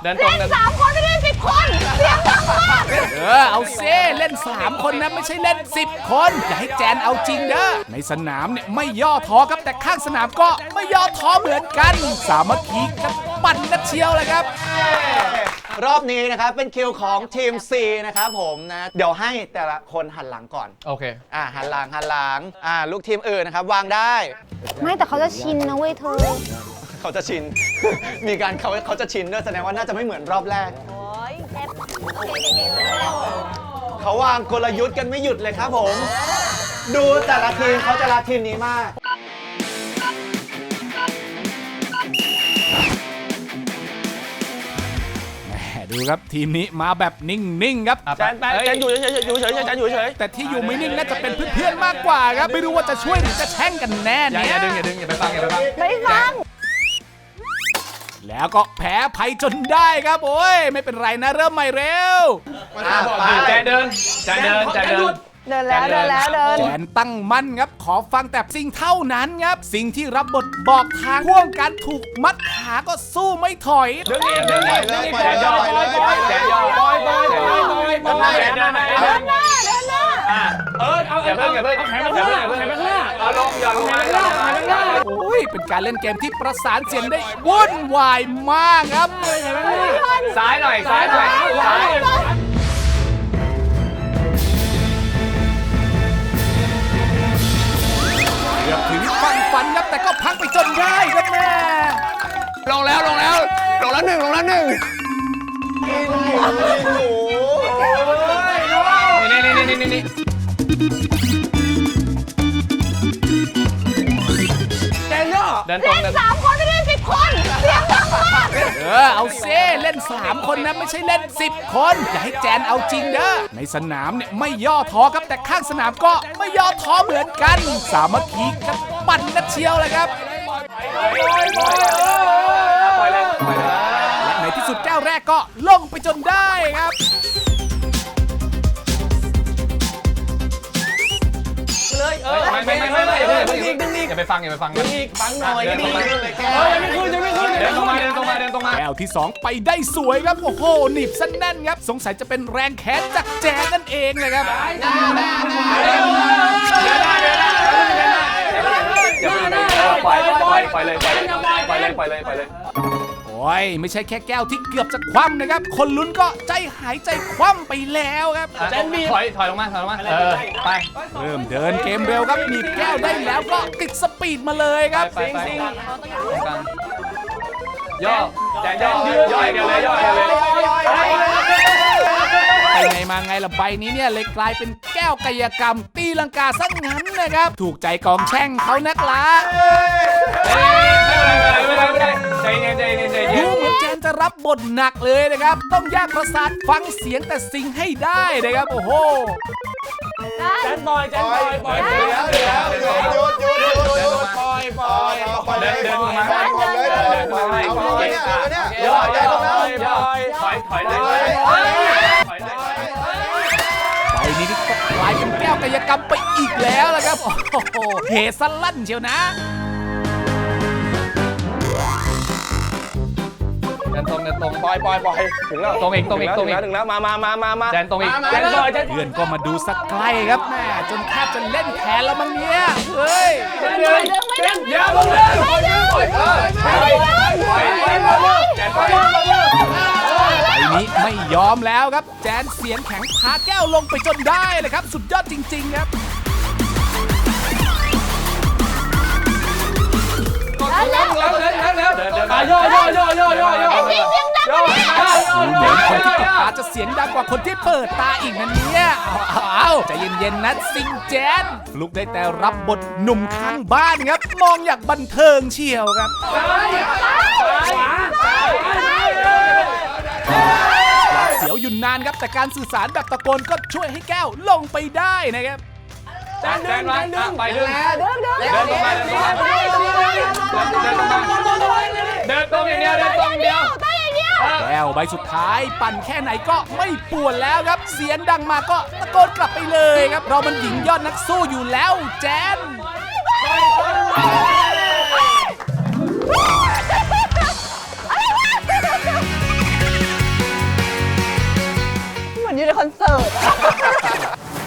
เดินตรงเล่น3 คนไม่ได้10 คนเสียงดังมากเอาเซ่เล่น3 คนนะไม่ใช่เล่น10 คนอย่าให้แจนเอาจริงเด้อในสนามเนี่ยไม่ย่อท้อครับแต่ข้างสนามก็ไม่ย่อท้อเหมือนกันสามัคคีกันปั่นกันเชียวเลยครับรอบนี้นะครับเป็นคิวของทีม C นะครับผมนะเดี๋ยวให้แต่ละคนหันหลังก่อนโอเคหันหลังลูกทีมอื่นนะครับวางได้ไม่แต่เขาจะชินนะเว้ยเธอเขาจะชิน มีการเขาจะชินด้วยแสดงว่าน่าจะไม่เหมือนรอบแรกเขาวางกลยุทธ์กันไม่หยุดเลยครับผมดูแต่ละทีมเขาจะรักทีมนี้มากดูครับทีมนี้มาแบบนิ่งๆครับแจนอยู่เฉยแต่ที่อยู่ไม่นิ่งน่าจะเป็นเพื่อนๆมากกว่าครับไม่รู้ว่าจะช่วยหรือจะแช่งกันแน่เนี่ยอย่าดึงอย่าไปฟังแล้วก็แพ้ภัยจนได้ครับโอ้ยไม่เป็นไรนะเริ่มใหม่เร็วแจนเดินแจนแล้วแจนตั้งมั่นครับขอฟังแต่สิ่งเท่านั้นครับสิ่งที่รับบทบอกทางพ่วงการถูกมัดขาก็สู้ไม่ถอยดึงแจนย่อแจนย่อแจนเดินหน้าอย่าเพิ่งเอาแขนมาข้างหน้าเอาลงอย่าลงมาโอ้ยเป็นการเล่นเกมที่ประสานเสียงได้วุ่นวายมากครับซ้ายหน่อยเกือบถึงฟันครับแต่ก็พักไปจนได้ครับแม่ลงแล้ว1นี่แจนย่อเดินตรงเล่น 3 คนไม่ได้10 คนเสียงดังมากเอาเซ่เล่น3 คนนะไม่ใช่เล่น10 คนอย่าให้แจนเอาจริงเด้อในสนามเนี่ยไม่ย่อท้อครับแต่ข้างสนามก็ไม่ย่อท้อเหมือนกันสามัคคีกันปั่นกันเชียวเลยครับและในที่สุดแก้วแรกก็ลงไปจนได้ครับไม่อย่าไปฟังดึงอีกฟังหน่อยนี่เดินตรงมาแก้วที่2ไปได้สวยครับโอ้โหหนีบสั้นแน่นครับสงสัยจะเป็นแรงแค้นจากแจนนั่นเองเลยครับปล่อยเลยโอ้ยไม่ใช่แค่แก้วที่เกือบจะคว่ำนะครับคนลุ้นก็ใจหายใจคว่ำไปแล้วครับแจนบีถอยลงมาไปเริ่มเดินเกมเร็วครับหนีบแก้วได้แล้วก็ติดสปีดมาเลยครับย่อแจนย่อเดียวเลยไปไงมาไงล่ะใบนี้เนี่ยเลยกลายเป็นแก้วกายกรรมตีลังกาซะงั้นนะครับถูกใจกองแช่งเขานักละดูเหมือนแจนจะรับบทหนักเลยนะครับต้องแยกประสาทฟังเสียงแต่สิ่งให้ได้นะครับโอ้โหแจนปล่อยเดินมาถอยไปนี้ก็กลายเป็นแก้วกายกรรมไปอีกแล้วละครับโอ้โหเฮสลั่นเชียวนะเดินตรงปล่อยถึงแล้วตรงอีกมาแจนตรงอีกเพื่อนก็มาดูสักใกล้ครับแม่จนแทบจะเล่นแทนแล้วมั้งเนี่ยเฮ้ยอย่าลงเลยไอ้นี้ไม่ยอมแล้วครับแจนเสียงแข็งพาแก้วลงไปจนได้เลยครับสุดยอดจริงๆครับแล้วย่อเหมือนคนที่ตกตาจะเสียงดังกว่าคนที่เปิดตาอีกนั่นเนี่ยเอาใจเย็นๆนะซิงแจนลุกได้แต่รับบทหนุ่มข้างบ้านครับมองอย่างบันเทิงเชียวครับเสียวอยู่นานครับแต่การสื่อสารแบบตะโกนก็ช่วยให้แก้วลงไปได้นะครับแจนไปเดินตรงอย่างเดียวแก้วใบสุดท้ายปั่นแค่ไหนก็ไม่ป่วนแล้วครับเสียงดังมาก็ตะโกนกลับไปเลยครับเรามันหญิงยอดนักสู้อยู่แล้วแจนเอยู่ในคอนเสิร์ต